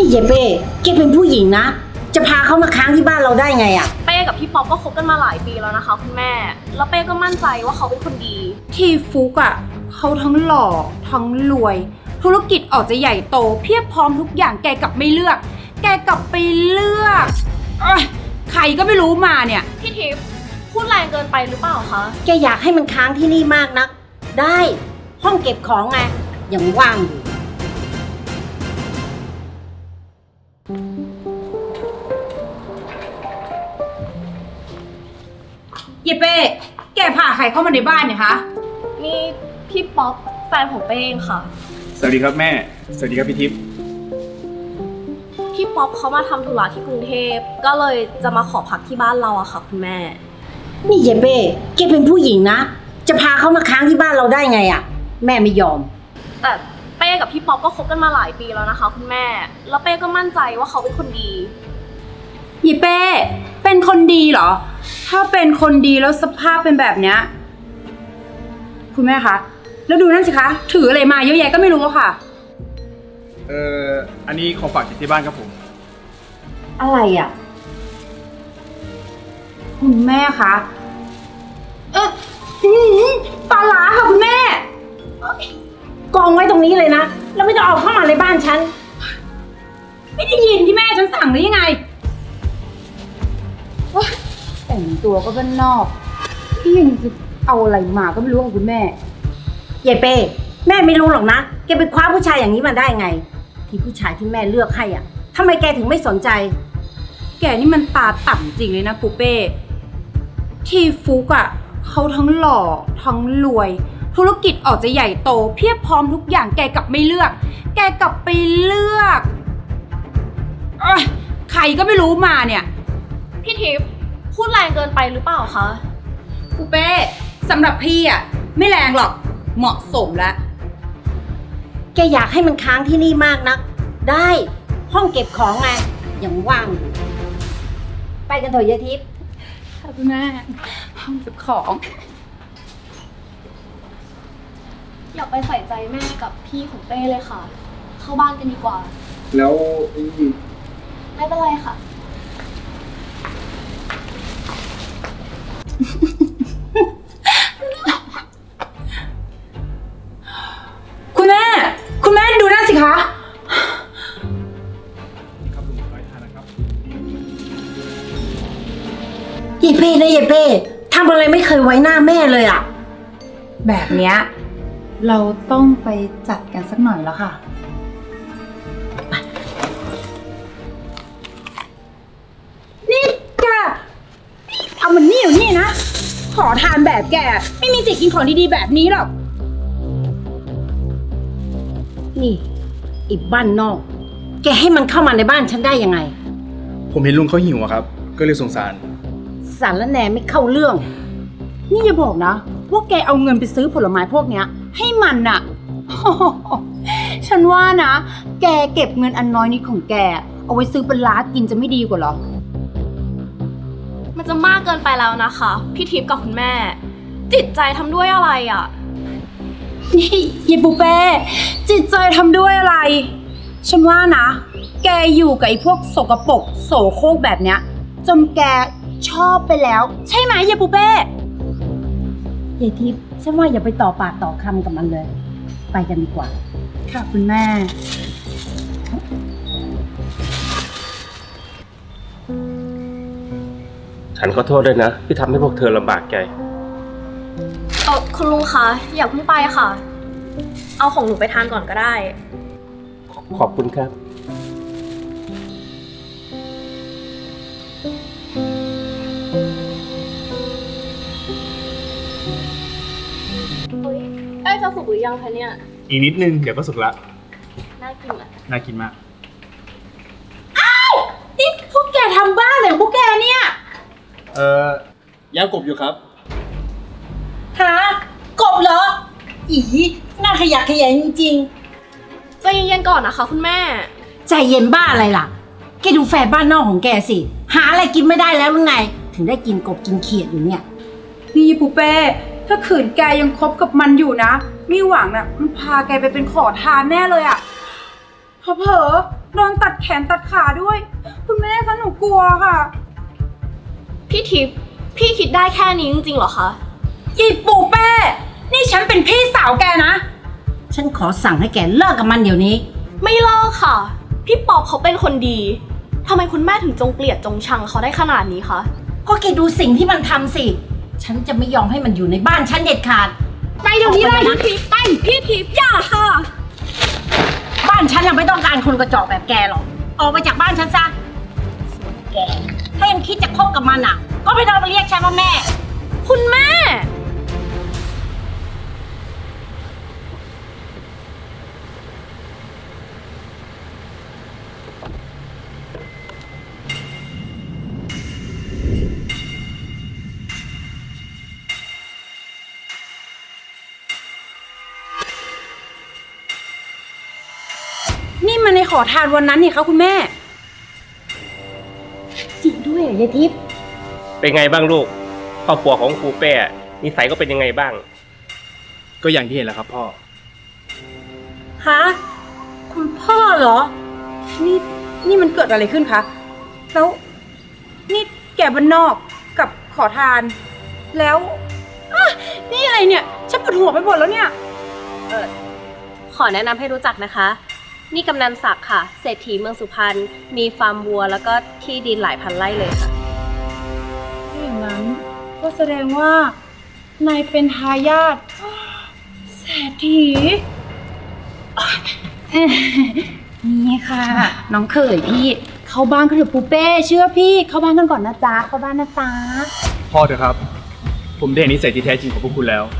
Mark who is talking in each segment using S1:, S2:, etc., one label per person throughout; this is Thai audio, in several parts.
S1: เยเป้แกเป็นผู้หญิงนะจะพาเขามาค้างที่บ้านเราได้ไงอะ
S2: เป้กับพี่ป๊อปก็คบกันมาหลายปีแล้วนะคะคุณแม่แล้วเป้ก็มั่นใจว่าเขาเป็นคนดี
S3: ที่ฟุกอ่ะเขาทั้งหล่อทั้งรวยธุรกิจออกจะใหญ่โตเพียบพร้อมทุกอย่างแกกลับไม่เลือก แกกลับไปเลือกใครก็ไม่รู้มาเนี่ย
S2: พี่ทิพย์พูดแรงเกินไปหรือเปล่าคะ
S1: แกอยากให้มันค้างที่นี่มากนักได้ห้องเก็บของไงยังว่างอยู่
S3: เยเป้แกพาใครเข้ามาในบ้านเนี่ยคะ
S2: นี่พี่ป๊อปแฟนของเป้เองค่ะ
S4: สวัสดีครับแม่ สวัสดีครับพี่ทิพย์
S2: พี่ป๊อปเขามาทำธุระที่กรุงเทพก็เลยจะมาขอพักที่บ้านเราอะค่ะคุณแม่
S1: นี่เยเป้แกเป็นผู้หญิงนะจะพาเขามาค้างที่บ้านเราได้ไงอะแม่ไม่ยอม
S2: แต่เป้กับพี่ป๊อปก็คบกันมาหลายปีแล้วนะคะคุณแม่แล้วเป้ก็มั่นใจว่าเขาเป็นคนดี
S3: เยเป้เป็นคนดีเหรอถ้าเป็นคนดีแล้วสภาพเป็นแบบเนี้ยคุณแม่คะแล้วดูนั่นสิคะถืออะไรมาเยอะแยะก็ไม่รู้อะค่ะ
S4: อันนี้ของฝากจากที่บ้านครับผม
S1: อะไรอ่ะ
S3: คุณแม่คะปลาร้าค่ะคุณแม่
S1: กองไว้ตรงนี้เลยนะแล้วไม่ต้องเอาเข้ามาในบ้านฉัน
S3: ไม่ได้ยินที่แม่ฉันสั่งหรือยังไงแต่งตัวก็บ้านนอกพี่ยังจะเอาอะไรมาก็ไม่รู้ของคุณแม่
S1: เยเป้แม่ไม่รู้หรอกนะแกไปคว้าผู้ชายอย่างนี้มาได้ไงที่ผู้ชายที่แม่เลือกให้อ่ะทำไมแกถึงไม่สนใจ
S3: แกนี่มันตาต่ำจริงเลยนะปูเป้ที่ฟุกอ่ะเขาทั้งหล่อทั้งรวยธุรกิจออกจะใหญ่โตเพียบพร้อมทุกอย่างแกกลับไม่เลือก แกกลับไปเลือกใครก็ไม่รู้มาเนี่ย
S2: พี่ทิพย์พูดแรงเกินไปหรือเปล่าคะ
S3: ปูเป้สำหรับพี่อ่ะไม่แรงหรอกเหมาะสมแล้ว
S1: แกอยากให้มันค้างที่นี่มากนักได้ห้องเก็บของไงยังว่างอยู่ไปกันเถอะยายทิพย์
S3: ค่ะคุณแม่ห้องเก็บของ
S2: อย่าไปใส่ใจแม่กับพี่ของเป้เลยค่ะเข้าบ้านกันดีกว่า
S4: แล้ว
S2: ไม่เป็นไรค่ะ
S3: คุณแม่ดูนั่นสิคะ
S4: ครับลุงขอทานนะครับ
S1: เยเป้นะเยเป้ทำอะไรไม่เคยไว้หน้าแม่เลยอ่ะ
S3: แบบเนี้ยเราต้องไปจัดกันสักหน่อยแล้วค่ะนี่แกเอามันนี่อยู่นี่นะขอทานแบบแกไม่มีสิทธิ์กินของดีๆแบบนี้หรอก
S1: นี่อีกบ้านนอกแกให้มันเข้ามาในบ้านฉันได้ยังไง
S4: ผมเห็นลุงเขาหิวอะครับก็เลยสงสาร
S1: สารแหน่ไม่เข้าเรื่อง
S3: นี่อย่าบอกนะว่าแกเอาเงินไปซื้อผลไม้พวกเนี้ยให้มันน่ะ ฉันว่านะแกเก็บเงินอันน้อยนิดของแกเอาไว้ซื้อปลากินจะไม่ดีกว่าหรอ
S2: มันจะมากเกินไปแล้วนะคะพี่ทิพย์กับคุณแม่จิตใจทำด้วยอะไรอ่ะ
S3: นี่เยปูเป้จิตใจทำด้วยอะไรฉันว่านะแกอยู่กับไอ้พวกสกปรกโสโครกแบบเนี้ยจนแกชอบไปแล้วใช่ไหมเยปูเป้
S1: ยายทิพย์ฉันว่าอย่าไปต่อปากต่อคำกับมันเลยไปกันดีกว่า
S3: ค่ะคุณแม่
S5: ฉันขอโทษด้วยนะที่ทำให้พวกเธอลำบากใจ
S2: คุณลุงคะอย่าเพิ่งไปค่ะเอาของหนูไปทานก่อนก็ได้
S5: ขอบคุณครับ
S2: ใกล้จะสุกหรือยังคะเนี่ย
S4: อีกนิดนึงเดี๋ยวก็สุกละ
S2: น่ากินอ่ะ
S4: น่ากินมาก
S3: อ้าวนี่พวกแกทำบ้าเลยพวกแกเนี่ย
S4: ย่างกบอยู่ครับ
S1: หากบเหรออีน่าขยะแขยงจริง
S2: ใจเย็นๆก่อนนะคะคุณแม่
S1: ใจเย็นบ้าอะไรล่ะแกดูแฟนบ้านนอกของแกสิหาอะไรกินไม่ได้แล้วหรือไงถึงได้กินกบกินเขียดอยู่เนี่ย
S3: นี่ปูเป้ถ้าขืนแกยังคบกับมันอยู่นะมีหวังนะมันพาแกไปเป็นขอทานแน่เลยอะเผลอโดนตัดแขนตัดขาด้วย คุณแม่คะหนูกลัวค่ะ
S2: พี่ทิพย์พี่คิดได้แค่นี้จริงๆเหรอคะ
S3: อีปูเป้ นี่ฉันเป็นพี่สาวแกนะ
S1: ฉันขอสั่งให้แกเลิกกับมันเดี๋ยวนี้
S2: ไม่เลิกค่ะ พี่ป๊อปเขาเป็นคนดีทำไมคุณแม่ถึงจงเกลียดจงชังเขาได้ขนาดนี้คะ
S1: ก็แกดูสิ่งที่มันทำสิ ฉันจะไม่ยอมให้มันอยู่ในบ้านฉันเด็ดขาด
S2: ไปเดี๋ยวนี้เลย
S1: ออกไป
S2: พี่ทิพย์ไปพี่ทิพย์อย่าค่ะ
S1: บ้านฉันน่ะไม่ต้องการคนกระจอกแบบแกหรอก ออกไปจากบ้านฉันซะส่วนแก ถ้ายังคิดจะคบกับมันอ่ะ ก็ไม่ต้องมาเรียกฉันว่าแม่
S2: คุณแม่
S3: นี่มันในขอทานวันนั้นนี่คะคุณแม่
S1: จริงด้วยยายทิพย์
S5: เป็นไงบ้างลูก ครอบครัวของครูเป้นิสัยก็เป็นยังไงบ้าง
S4: ก็อย่างที่เห็นแหละครับพ่อ
S1: ฮะ คุณพ่อเหรอ
S3: นี่มันเกิดอะไรขึ้นคะ แล้วนี่แกบ้านนอกกับขอทาน แล้วอ่ะนี่อะไรเนี่ย ฉันปวดหัวไปหมดแล้วเนี่ย
S6: ขอแนะนำให้รู้จักนะคะ นี่กำนันศักดิ์ค่ะ เศรษฐีเมืองสุพรรณ มีฟาร์มวัวแล้วก็ที่ดินหลายพันไร่เลยค่ะ
S3: ถ้าอย่างนั้นก็แสดงว่านายเป็นทายาทเศรษฐีนี่ค่ะ น้องเขยพี่ เข้าบ้านกันเถอะปูเป้ เชื่อพี่ เข้าบ้านกันก่อนนะจ๊ะ เข้าบ้านนะจ๊ะ
S4: พ่อเถอะครับ ผมได้เห็นนิสัยที่แท้จริงของพวกคุณแล้ว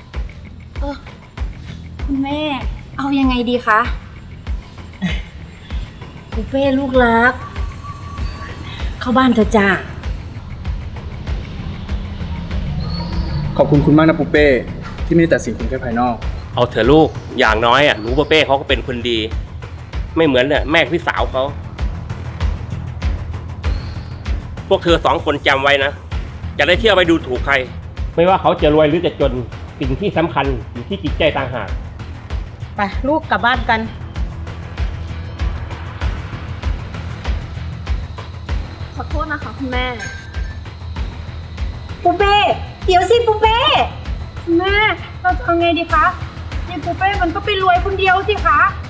S3: คุณแม่ เอายังไงดีคะ
S1: ปูเป้ลูกรัก เข้าบ้านเถอะจ้า
S4: ขอบคุณคุณมากนะปูเป้ ที่ไม่ได้ตัดสินคุณแค่ภายนอก
S5: เอาเถอะลูก อย่างน้อยหนูเป้เขาก็เป็นคนดี ไม่เหมือนแม่พี่สาวเขา พวกเธอสองคนจำไว้นะ จะได้เที่ยวไปดูถูกใคร ไม่ว่าเขาจะรวยหรือจะจน สิ่งที่สำคัญอยู่ที่จิตใจต่างหาก
S1: ไปลูกกลับบ้านกัน
S2: ขอโทษนะคะคุณแม่
S1: ปูเป้ เดี๋ยวสิปูเป้
S3: คุณแม่ เราจะเอาไงดีคะยายปูเป้มันก็ไปรวยคนเดียวสิคะ